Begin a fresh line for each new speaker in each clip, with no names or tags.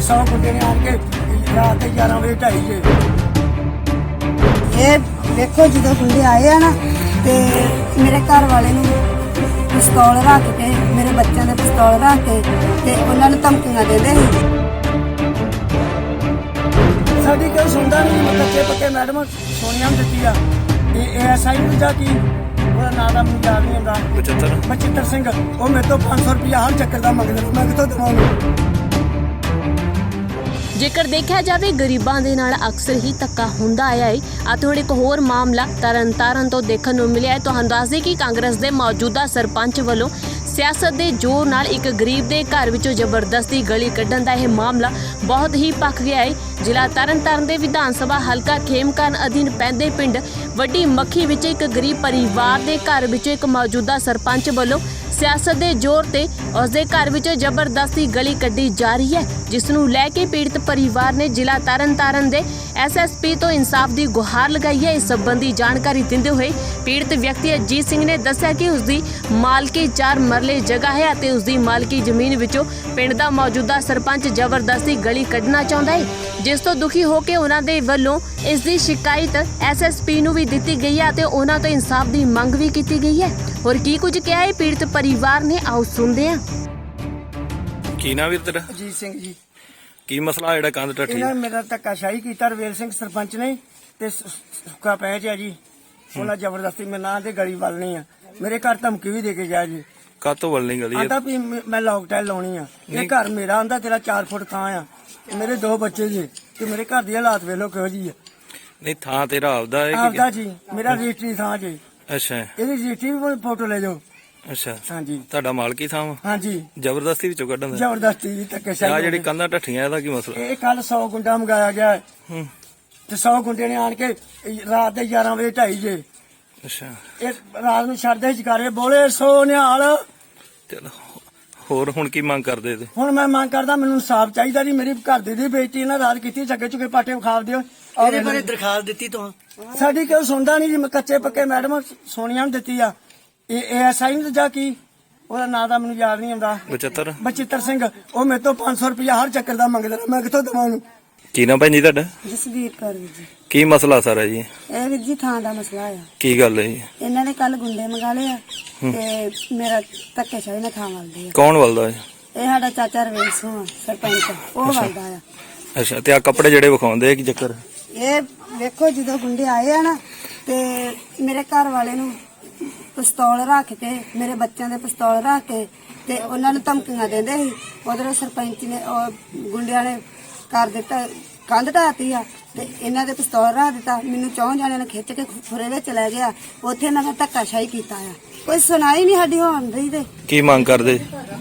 100 ਮੁੰਡੇ ਨੇ ਆਣ ਕੇ ਰਾਤ ਦੇ 11 ਵਜੇ ਢਾਈ ਜੇ।
ਇਹ ਵੇਖੋ ਜਦੋਂ ਗੁੰਡੇ ਆਏ ਆ ਨਾ ਤੇ ਮੇਰੇ ਘਰ ਵਾਲੇ ਨੂੰ ਪਿਸਤੌਲ ਰੱਖ ਕੇ, ਮੇਰੇ ਬੱਚਿਆਂ ਦੇ ਪਿਸਤੌਲ ਰੱਖ ਕੇ ਤੇ ਉਹਨਾਂ ਨੂੰ ਧਮਕੀਆਂ ਦਿੰਦੇ ਸੀ।
ਸਾਡੀ ਕੋਈ ਸੁਣਦਾ ਨਹੀਂ। ਕੱਚੇ ਪੱਕੇ ਮੈਡਮ ਸੋਨੀਆ ਨੂੰ ਦਿੱਤੀ ਆ। ਇਹ ਐਸਆਈ ਨੂੰ ਜਾ ਕੀ ਉਹਦਾ ਨਾਂ ਦਾ ਮੈਨੂੰ ਯਾਦ ਨਹੀਂ ਆਉਂਦਾ। ਬਚਿੱਤਰ ਸਿੰਘ। ਉਹ ਮੇਰੇ ਤੋਂ 500 ਰੁਪਇਆ ਹਰ ਚੱਕਰ ਦਾ ਮੰਗਦਾ। ਮੈਂ ਕਿੱਥੋਂ ਦੇਵਾਂਗਾ?
ਜੇਕਰ ਦੇਖਿਆ ਜਾਵੇ ਗਰੀਬਾਂ ਦੇ ਨਾਲ ਅਕਸਰ ਹੀ ਧੱਕਾ ਹੁੰਦਾ ਆਇਆ ਹੈ। ਅਤੇ ਹੁਣ ਇੱਕ ਹੋਰ ਮਾਮਲਾ ਤਰਨਤਾਰਨ ਤੋਂ ਦੇਖਣ ਨੂੰ ਮਿਲਿਆ ਹੈ। ਤੁਹਾਨੂੰ ਦੱਸ ਦੇਈਏ ਕਿ ਕਾਂਗਰਸ ਦੇ ਮੌਜੂਦਾ ਸਰਪੰਚ ਵੱਲੋਂ ਸਿਆਸਤ ਦੇ ਜ਼ੋਰ ਨਾਲ ਇੱਕ ਗਰੀਬ ਦੇ ਘਰ ਵਿੱਚੋਂ ਜ਼ਬਰਦਸਤੀ ਗਲੀ ਕੱਢਣ ਦਾ ਇਹ ਮਾਮਲਾ ਬਹੁਤ ਹੀ ਭਖ ਗਿਆ ਹੈ। ਜ਼ਿਲ੍ਹਾ ਤਰਨਤਾਰਨ ਦੇ ਵਿਧਾਨ ਸਭਾ ਹਲਕਾ ਖੇਮਕਰਨ ਅਧੀਨ ਪੈਂਦੇ ਪਿੰਡ ਵੱਡੀ ਮੱਖੀ ਵਿੱਚ ਇੱਕ ਗਰੀਬ ਪਰਿਵਾਰ ਦੇ ਘਰ ਵਿੱਚੋਂ ਇੱਕ ਮੌਜੂਦਾ ਸਰਪੰਚ ਵੱਲੋਂ ਸਿਆਸਤ ਦੇ ਜ਼ੋਰ ਤੇ ਉਸਦੇ ਘਰ ਵਿੱਚੋਂ ਜ਼ਬਰਦਸਤੀ ਗਲੀ ਕੱਢੀ ਜਾ ਰਹੀ ਹੈ, ਜਿਸ ਨੂੰ ਲੈ ਕੇ ਪੀੜਤ ਪਰਿਵਾਰ ਨੇ ਜ਼ਿਲ੍ਹਾ ਤਰਨਤਾਰਨ ਦੇ ਐਸਐਸਪੀ ਤੋਂ ਇਨਸਾਫ ਦੀ ਗੁਹਾਰ ਲਗਾਈ ਹੈ। ਇਸ ਸੰਬੰਧੀ ਜਾਣਕਾਰੀ ਦਿੰਦੇ ਹੋਏ ਪੀੜਤ ਵਿਅਕਤੀ ਅਜੀਤ ਸਿੰਘ ਨੇ ਦੱਸਿਆ ਕਿ ਉਸਦੀ ਮਾਲਕੀ 4 ਮਰਲੇ ਜਗ੍ਹਾ ਹੈ ਅਤੇ ਉਸਦੀ ਮਾਲਕੀ ਜ਼ਮੀਨ ਵਿੱਚੋਂ ਪਿੰਡ ਦਾ ਮੌਜੂਦਾ ਸਰਪੰਚ ਜ਼ਬਰਦਸਤੀ ਗਲੀ ਕੱਢਣਾ ਚਾਹੁੰਦਾ ਹੈ, ਜਿਸ ਤੋਂ ਦੁਖੀ ਹੋ ਕੇ ਉਹਨਾਂ ਦੇ ਵੱਲੋਂ ਇਸ ਦੀ ਸ਼ਿਕਾਇਤ ਐਸਐਸਪੀ ਨੂੰ ਵੀ ਦਿੱਤੀ ਗਈ ਹੈ ਅਤੇ ਉਹਨਾਂ ਤੋਂ ਇਨਸਾਫ ਦੀ ਮੰਗ ਵੀ ਕੀਤੀ ਗਈ ਹੈ। ਹੋਰ ਕੀ ਕੁਝ ਕਿਹਾ ਹੈ ਪੀੜਤ ਪਰਿਵਾਰ ਨੇ, ਆਓ ਸੁਣਦੇ ਹਾਂ।
ਕੀ ਨਾ ਵੀਰ ਤੇਰਾ?
ਅਜੀਤ ਸਿੰਘ ਜੀ।
ਕੀ ਮਸਲਾ ਜਿਹੜਾ ਕੰਧ ਟੱਠੀ?
ਇਹਨਾਂ ਮੇਰਾ ਧੱਕਾਸ਼ਾਹੀ ਕੀਤਾ ਰਵੇਲ ਸਿੰਘ ਸਰਪੰਚ ਨੇ ਤੇ ਸੁੱਕਾ ਪੈ ਜਾ ਜੀ। ਉਹਨਾਂ ਜ਼ਬਰਦਸਤੀ ਮੇਰੇ ਨਾਂ ਤੇ ਗਲੀ ਵੱਲਣੀ ਆ। ਮੇਰੇ ਘਰ ਧਮਕੀ ਵੀ ਦੇ ਕੇ ਗਿਆ ਜੀ।
ਕਾਤੋਂ ਵੱਲਣੀ ਗਲੀ?
ਆਂਦਾ ਵੀ ਮੈਂ ਲੌਕਡਾਊਨ ਲਾਉਣੀ ਆ। ਇਹ ਘਰ ਮੇਰਾ ਆਂਦਾ ਤੇਰਾ 4 ਫੁੱਟ ਥਾਂ ਆ। ਮੇਰੇ 2 ਬੱਚੇ ਜੀ ਤੇ ਮੇਰੇ ਘਰ ਦੀ ਹਾਲਾਤ ਵੇਖੋ ਕਿਹੋ ਜੀ ਆ।
ਨਹੀਂ ਥਾਂ ਤੇਰਾ ਆਪਦਾ ਹੈ?
ਆਪਦਾ ਜੀ, ਮੇਰਾ ਰਜਿਸਟਰੀ ਥਾਂ ਜੀ।
ਅੱਛਾ।
ਇਹਦੀ ਰਜਿਸਟਰੀ ਵੀ ਫੋਟੋ ਲੈ ਜਾਓ।
ਅੱਛਾ।
ਹਾਂਜੀ।
ਤੁਹਾਡਾ ਮਾਲਕੀ ਥਾਂ ਵਾ?
ਹਾਂਜੀ।
ਜ਼ਬਰਦਸਤੀ ਵਿੱਚੋਂ ਕੱਢਣ ਦਾ?
ਜ਼ਬਰਦਸਤੀ ਜੀ ਧੱਕੇਸ਼ਾਹੀ।
ਆ ਜਿਹੜੀ ਕੰਧਾਂ ਟੱਠੀਆਂ ਇਹਦਾ ਕੀ ਮਸਲਾ?
ਇਹ ਕੱਲ 100 ਗੁੰਡਾ ਮੰਗਾਇਆ ਗਿਆ ਤੇ 100 ਗੁੰਡੇ ਨੇ ਆਣ ਕੇ ਰਾਤ ਦੇ 11 ਵਜੇ ਢਾਈ ਜੇ।
ਅੱਛਾ।
ਇਹ ਰਾਤ ਨੂੰ ਛੱਡਦੇ ਜਕਾਰੇ ਬੋਲੇ ਸੋ ਨਿਹਾਲ।
ਚਲੋ ਹੋਰ ਹੁਣ ਕੀ ਮੰਗ ਕਰਦੇ ਤੇ?
ਹੁਣ ਮੈਂ ਮੰਗ ਕਰਦਾ ਮੈਨੂੰ ਇਨਸਾਫ ਚਾਹੀਦਾ ਜੀ। ਮੇਰੀ ਘਰ ਦੀ ਬੇਇੱਜ਼ਤੀ ਇਹਨਾਂ ਰਾਤ ਕੀਤੀ। ਚੱਗੇ ਚੁੱਕੇ ਪਾਟੇ ਵਿਖਾ ਦਿਓ।
ਇਹਦੇ ਬਾਰੇ ਦਰਖਾਸਤ ਦਿੱਤੀ ਤੂੰ?
ਸਾਡੀ ਕੋਈ ਸੁਣਦਾ ਨਹੀਂ ਜੀ। ਕੱਚੇ ਪੱਕੇ ਮੈਡਮ ਸੋਨੀਆ ਨੂੰ ਦਿੱਤੀ ਆ। ਇਹ ਐਸਆਈ ਨੂੰ ਜਾ ਕੀ ਉਹਦਾ ਨਾਂ ਦਾ ਮੈਨੂੰ ਯਾਦ ਨਹੀਂ ਆਉਂਦਾ। ਬਚਿੱਤਰ ਸਿੰਘ। ਉਹ ਮੇਰੇ ਤੋਂ 500 ਰੁਪਇਆ ਹਰ ਚੱਕਰ ਦਾ ਮੰਗਦਾ। ਮੈਂ ਕਿੱਥੋਂ ਦੇਵਾਂ ਉਹਨੂੰ?
ਕੀ ਨਾ ਭੈਣ ਜੀ ਤੁਹਾਡਾ?
ਜਸਵੀਰ ਕੌਰ ਜੀ।
ਕੀ ਮਸਲਾ ਸਾਰਾ ਜੀ?
ਇਹ ਵੀਰ ਜੀ ਥਾਂ ਦਾ ਮਸਲਾ ਆ।
ਕੀ ਗੱਲ ਹੈ ਜੀ?
ਇਹਨਾਂ ਨੇ ਕੱਲ ਗੁੰਡੇ ਮੰਗਾ ਲਏ ਆ ਤੇ ਮੇਰਾ ਧੱਕੇਸ਼ਾਹੀ ਨਾਲ ਥਾਂ ਵੱਲਦੀ ਆ।
ਕੌਣ ਵੱਲਦਾ ਹੈ?
ਇਹ ਸਾਡਾ ਚਾਚਾ ਰਵੇਲ ਸਿੰਘ ਸਰਪੰਚ, ਉਹ ਵੱਲਦਾ ਆ।
ਅੱਛਾ। ਤੇ ਆ ਕੱਪੜੇ ਜਿਹੜੇ ਵਿਖਾਉਂਦੇ ਆ ਕੀ ਚੱਕਰ?
ਇਹ ਵੇਖੋ ਜਦੋਂ ਗੁੰਡੇ ਆਏ ਆ ਨਾ ਤੇ ਮੇਰੇ ਘਰ ਵਾਲੇ ਨੂੰ ਪਿਸਤੌਲ ਰੱਖ ਕੇ, ਮੇਰੇ ਬੱਚਿਆਂ ਦੇ ਪਿਸਤੌਲ ਰੱਖ ਕੇ ਤੇ ਉਹਨਾਂ ਨੂੰ ਧਮਕੀਆਂ ਦਿੰਦੇ ਸੀ। ਉਧਰੋਂ ਸਰਪੰਚ ਨੇ ਗੁੰਡਿਆਂ ਨੇ ਕਰ ਦਿੱਤਾ, ਕੰਧ ਢਾਤੀ ਆ ਤੇ ਇਹਨਾਂ ਦੇ ਪਿਸਤੌਲ ਰੱਖ ਦਿੱਤਾ। ਮੈਨੂੰ 4 ਜਣਿਆਂ ਨੇ ਖਿੱਚ ਕੇ ਖੁਰੇ ਵਿੱਚ ਲੈ ਗਿਆ। ਉੱਥੇ ਇਹਨਾਂ ਨੇ ਧੱਕਾਸ਼ਾਹੀ ਕੀਤਾ ਆ। ਕੋਈ ਸੁਣਾਈ ਨਹੀਂ ਸਾਡੀ ਹੋਣ ਰਹੀ ਤੇ
ਕੀ ਮੰਗ ਕਰਦੇ?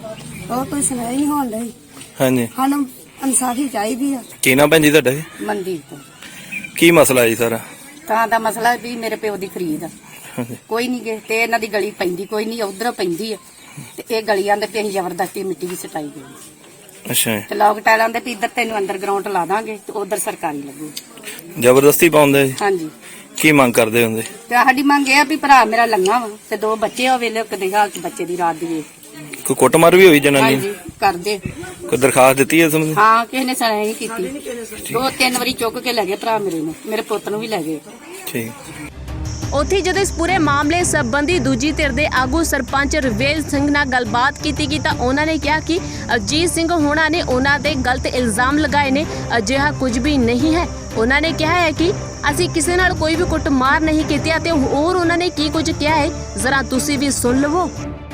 ਉਹ ਕੋਈ ਸੁਣਾਈ ਨਹੀਂ ਹੋਣ ਰਹੀ।
ਹਾਂਜੀ।
ਸਾਨੂੰ ਇਨਸਾਫੀ ਚਾਹੀਦੀ ਆ।
ਕੀ ਨਾ ਭੈਣ ਜੀ ਤੁਹਾਡਾ?
ਮਨਦੀਪ ਤੋਂ।
ਕੀ ਮਸਲਾ ਜੀ ਸਾਰਾ?
ਤਾਂ ਦਾ ਮਸਲਾ ਵੀ ਮੇਰੇ ਪਿਓ ਦੀ ਖਰੀਦ ਆ। ਕੋਈ ਨਹੀਂ ਗੇ ਤੇ ਇਹਨਾਂ ਦੀ ਗਲੀ ਪੈਂਦੀ ਕੋਈ ਨਹੀਂ, ਉਧਰ ਪੈਂਦੀ ਆ ਤੇ ਇਹ ਗਲੀਆਂ ਦੇ ਅਸੀਂ ਜ਼ਬਰਦਸਤੀ ਮਿੱਟੀ ਦੀ ਸਟਾਈ ਗਈ।
ਅੱਛਾ।
ਤੇ ਲੋਕ ਟਾਇਲਾਂ ਦੇ ਵੀ ਇੱਧਰ ਤੈਨੂੰ ਅੰਡਰਗਰਾਉਂਡ ਲਾ ਦਾਂਗੇ ਤੇ ਉਧਰ ਸਰਕਾਰੀ ਲੱਗੂ।
ਜ਼ਬਰਦਸਤੀ ਪਾਉਂਦੇ?
ਹਾਂਜੀ।
ਕੀ ਮੰਗ ਕਰਦੇ ਹੁੰਦੇ?
ਤੇ ਸਾਡੀ ਮੰਗ ਇਹ ਆ ਵੀ ਭਰਾ ਮੇਰਾ ਲੰਗਾ ਵਾ ਤੇ 2 ਬੱਚੇ ਆ। ਵੇਲੇ ਕਦੇ ਹਾਲਤ ਬੱਚੇ ਦੀ ਰਾਤ ਦੀ ਵੇਖ।
ਕੋਈ ਕੁੱਟਮਾਰ ਵੀ ਹੋਈ ਜਨਾਨੀ?
ਹਾਂਜੀ ਕਰਦੇ।
ਕੋਈ ਦਰਖਾਸਤ ਦਿੱਤੀ ਹੈ ਤੁਹਾਨੂੰ?
ਹਾਂ, ਕਿਸੇ ਨੇ ਸੁਣਾਈ ਨਹੀਂ ਕੀਤੀ। 2-3 ਵਾਰੀ ਚੁੱਕ ਕੇ ਲੈ ਗਏ ਭਰਾ ਮੇਰੇ ਨੂੰ, ਮੇਰੇ ਪੁੱਤ ਨੂੰ ਵੀ ਲੈ ਗਏ।
ਠੀਕ।
ਉੱਥੇ ਜਦੋਂ ਇਸ ਪੂਰੇ ਮਾਮਲੇ ਸੰਬੰਧੀ ਦੂਜੀ ਧਿਰ ਦੇ ਆਗੂ ਸਰਪੰਚ ਰਵੇਲ ਸਿੰਘ ਨਾਲ ਗੱਲਬਾਤ ਕੀਤੀ ਗਈ ਤਾਂ ਉਹਨਾਂ ਨੇ ਕਿਹਾ ਕਿ ਅਜੀਤ ਸਿੰਘ ਹੋਣਾ ਨੇ ਉਹਨਾਂ ਦੇ ਗਲਤ ਇਲਜ਼ਾਮ ਲਗਾਏ ਨੇ। ਅਜਿਹਾ ਕੁਝ ਵੀ ਨਹੀਂ ਹੈ। ਉਹਨਾਂ ਨੇ ਕਿਹਾ ਹੈ ਕਿ ਅਸੀਂ ਕਿਸੇ ਨਾਲ ਕੋਈ ਵੀ ਕੁੱਟਮਾਰ ਨਹੀਂ ਕੀਤੀ ਅਤੇ ਹੋਰ ਉਹਨਾਂ ਨੇ ਕੀ ਕੁਝ ਕਿਹਾ ਹੈ ਜ਼ਰਾ ਤੁਸੀਂ ਵੀ ਸੁਣ ਲਵੋ।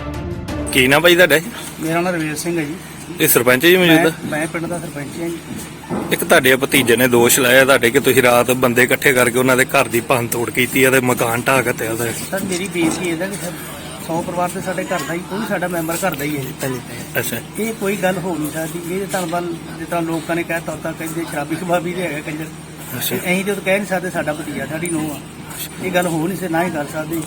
ਕੀ ਨਾ ਭਾਈ ਤੁਹਾਡਾ?
ਮੇਰਾ ਨਾਮ ਰਵੇਲ ਸਿੰਘ ਹੈ ਜੀ।
ਇਹ ਸਰਪੰਚ ਜੀ ਮੌਜੂਦਾ?
ਮੈਂ ਪਿੰਡ ਦਾ ਸਰਪੰਚ ਹਾਂ ਜੀ।
ਇੱਕ ਤੁਹਾਡੇ ਭਤੀਜੇ ਨੇ ਦੋਸ਼ ਲਾਇਆ ਤੁਹਾਡੇ ਕਿ ਤੁਸੀਂ ਰਾਤ ਬੰਦੇ ਇਕੱਠੇ ਕਰਕੇ ਉਹਨਾਂ ਦੇ ਘਰ ਦੀ ਭੰਨ ਤੋੜ ਕੀਤੀ ਹੈ ਤੇ ਮਕਾਨ ਢਾਹ ਕੇ ਤਿਆ ਉਹਦਾ।
ਸਰ ਮੇਰੀ ਬੇਨਤੀ ਇਹਦਾ ਕਿ 100 ਪਰਿਵਾਰ ਤੇ ਸਾਡੇ ਘਰ ਦਾ ਹੀ, ਕੋਈ ਸਾਡਾ ਮੈਂਬਰ ਘਰ ਦਾ ਹੀ ਹੈ ਜੀ।
ਅੱਛਾ।
ਇਹ ਕੋਈ ਗੱਲ ਹੋ ਨਹੀਂ ਸਕਦੀ। ਇਹ ਧੰਨਵਾਦ ਜਿੱਦਾਂ ਲੋਕਾਂ ਨੇ ਕਹਿਤਾ ਤਾਂ ਕਹਿੰਦੇ ਸ਼ਰਾਬੀ ਸ਼ਬਾਬੀ ਦੇ ਹੈਗਾ ਕੰਜਰ। ਅਸੀਂ ਤੇ ਕਹਿ ਨਹੀਂ ਸਕਦੇ ਸਾਡਾ ਭਤੀਜਾ ਸਾਡੀ ਨੂੰਹ ਆ। ਇਹ ਗੱਲ ਹੋ ਨਹੀਂ ਸੀ, ਨਾ ਹੀ ਕਰ ਸਕਦੇ।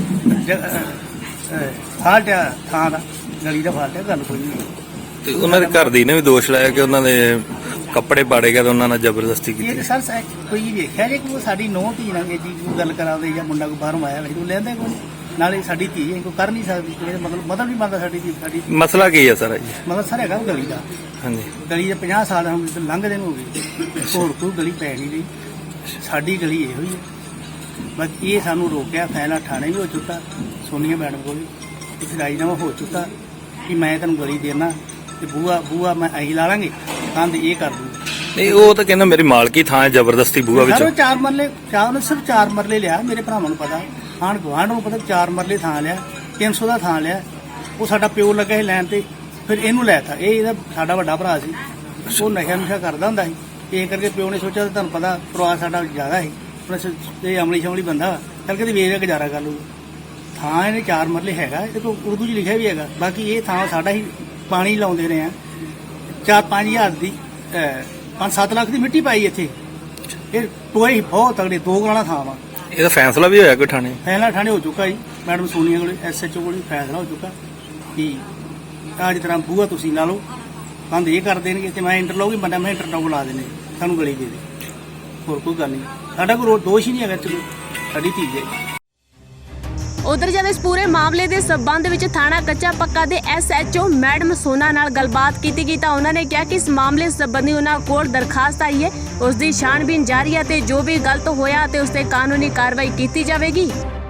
ਫਾਲਟ ਆ ਥਾਂ ਦਾ, ਗਲੀ ਦਾ ਫਾਲਟ ਆ, ਗੱਲ ਕੋਈ ਨਹੀਂ।
ਤੇ ਉਹਨਾਂ ਦੇ ਘਰ ਦੀ ਨੇ ਵੀ ਦੋਸ਼ ਲਾਇਆ ਕਿ ਉਹਨਾਂ ਦੇ ਕੱਪੜੇ ਪਾੜੇ ਗਏ ਤੇ ਉਹਨਾਂ ਨਾਲ ਜ਼ਬਰਦਸਤੀ
ਇਹ
ਕੀਤੀ।
ਸਰ ਕੋਈ ਵੇਖਿਆ ਜੇ ਕੋਈ ਸਾਡੀ ਨੂੰਹ ਧੀ ਨਾਲ ਜੀ ਕੋਈ ਗੱਲ ਕਰਾਵੇ ਜਾਂ ਮੁੰਡਾ ਕੋਈ ਬਾਹਰੋਂ ਆਇਆ ਉਹ ਲੈਂਦੇ ਕੋਈ ਨਾਲੇ ਸਾਡੀ ਧੀ ਕੋਈ ਕਰ ਨਹੀਂ ਸਕਦੀ। ਮਤਲਬ ਨਹੀਂ ਬਣਦਾ ਸਾਡੀ ਧੀ। ਸਾਡੀ
ਮਸਲਾ ਕੀ ਹੈ ਸਰ ਜੀ?
ਮਤਲਬ ਸਰ ਹੈਗਾ ਗਲੀ ਦਾ
ਹਾਂਜੀ
ਗਲੀ ਦੇ 50 ਸਾਲ ਹੁਣ ਲੰਘਦੇ ਨੂੰ ਹੋ ਗਏ, ਹੋਰ ਕੋਈ ਗਲੀ ਪੈ ਨਹੀਂ ਰਹੀ, ਸਾਡੀ ਗਲੀ ਇਹੋ ਹੀ ਹੈ। ਬਸ ਇਹ ਸਾਨੂੰ ਰੋਕਿਆ, ਫੈਸਲਾ ਥਾਣੇ ਵੀ ਹੋ ਚੁੱਕਾ, ਸੋਨੀਆ ਮੈਡਮ ਕੋਲ ਵੀ ਇੱਕ ਰਾਜੀਨਾਮਾ ਹੋ ਚੁੱਕਾ ਕਿ ਮੈਂ ਤੈਨੂੰ ਗਲੀ ਦੇਣਾ ਤੇ ਬੂਆ ਮੈਂ ਅਸੀਂ ਲਾ ਲਾਂਗੇ, ਕੰਧ ਇਹ ਕਰ ਦੂੰ।
ਨਹੀਂ ਉਹ ਤਾਂ ਕਹਿੰਦਾ ਮੇਰੀ ਮਾਲਕੀ ਥਾਂ ਹੈ, ਜ਼ਬਰਦਸਤੀ ਬੂਹਾ ਵਿੱਚ।
ਸਰ 4 ਮਰਲੇ ਉਹਨੇ ਸਿਰਫ 4 ਮਰਲੇ ਲਿਆ, ਮੇਰੇ ਭਰਾਵਾਂ ਨੂੰ ਪਤਾ, ਆਂਢ ਗੁਆਂਢ ਨੂੰ ਪਤਾ, 4 ਮਰਲੇ ਥਾਂ ਲਿਆ, 300 ਦਾ ਥਾਂ ਲਿਆ। ਉਹ ਸਾਡਾ ਪਿਓ ਲੱਗਾ ਸੀ ਲੈਣ ਤੇ, ਫਿਰ ਇਹਨੂੰ ਲੈਤਾ। ਇਹ ਇਹਦਾ ਸਾਡਾ ਵੱਡਾ ਭਰਾ ਸੀ, ਉਹ ਨਸ਼ਾ ਨੁਸ਼ਾ ਕਰਦਾ ਹੁੰਦਾ ਸੀ, ਇਹ ਕਰਕੇ ਪਿਓ ਨੇ ਸੋਚਿਆ ਤੁਹਾਨੂੰ ਪਤਾ ਪਰਿਵਾਰ ਸਾਡਾ ਜ਼ਿਆਦਾ ਸੀ, ਇਹ ਅਮਲੀ ਸ਼ਮਲੀ ਬੰਦਾ ਵਾ, ਚੱਲ ਕੇ ਵੇਚ ਕੇ ਗੁਜ਼ਾਰਾ ਕਰ ਲੂ। ਥਾਂ ਇਹਨੇ 4 ਮਰਲੇ ਹੈਗਾ, ਇਹ ਤੋਂ ਉਰਦੂ 'ਚ ਲਿਖਿਆ ਵੀ ਹੈਗਾ। ਬਾਕੀ ਇਹ ਥਾਂ ਸਾਡਾ ਹੀ ਪਾਣੀ ਲਾਉਂਦੇ ਰਹੇ ਆ, 4-5 ਹਜ਼ਾਰ ਦੀ 5-7 ਲੱਖ ਦੀ ਮਿੱਟੀ ਪਾਈ ਇੱਥੇ। ਇਹ ਟੋਏ ਬਹੁਤ ਤਗੜੇ, 2 ਕਨਾਲਾਂ ਥਾਂ ਵਾ।
ਇਹਦਾ ਫੈਸਲਾ ਵੀ ਹੋਇਆ ਕੋਈ ਥਾਣੇ?
ਫੈਸਲਾ ਥਾਣੇ ਹੋ ਚੁੱਕਾ ਜੀ, ਮੈਡਮ ਸੋਨੀਆ ਕੋਲ SHO ਕੋਲ ਫੈਸਲਾ ਹੋ ਚੁੱਕਾ ਕਿ ਅੱਜ ਤਰ੍ਹਾਂ ਬੂਹਾ ਤੁਸੀਂ ਲਾ ਲਓ, ਕੰਧ ਇਹ ਕਰ ਦੇਣਗੇ ਤੇ ਮੈਂ ਇੰਟਰਲੋਕ ਬੰਦਾ ਮੈਂ ਇੰਟਰਲੋਕ ਲਾ ਦੇਣੇ, ਸਾਨੂੰ ਗਲੀ ਦੇ ਦੇ, ਹੋਰ ਕੋਈ ਗੱਲ ਨਹੀਂ। ਸਾਡਾ ਕੋਈ ਦੋਸ਼ ਹੀ ਨਹੀਂ ਹੈਗਾ, ਚਲੋ ਸਾਡੀ ਧੀ ਹੈ।
ਉਧਰ ਜਦ ਇਸ ਪੂਰੇ ਮਾਮਲੇ ਦੇ ਸਬੰਧ ਵਿੱਚ ਥਾਣਾ ਕੱਚਾ ਪੱਕਾ ਦੇ SHO ਮੈਡਮ ਸੋਨਾ ਨਾਲ ਗੱਲਬਾਤ ਕੀਤੀ ਗਈ ਤਾਂ ਉਹਨਾਂ ਨੇ ਕਿਹਾ ਕਿ ਇਸ ਮਾਮਲੇ ਸੰਬੰਧੀ ਉਹਨਾਂ ਕੋਲ ਦਰਖਾਸਤ ਆਈ ਹੈ, ਉਸ ਦੀ ਛਾਣਬੀਨ ਜਾਰੀ ਹੈ ਤੇ ਜੋ ਵੀ ਗਲਤ ਹੋਇਆ ਤੇ ਉਸ ਤੇ ਕਾਨੂੰਨੀ ਕਾਰਵਾਈ ਕੀਤੀ ਜਾਵੇਗੀ।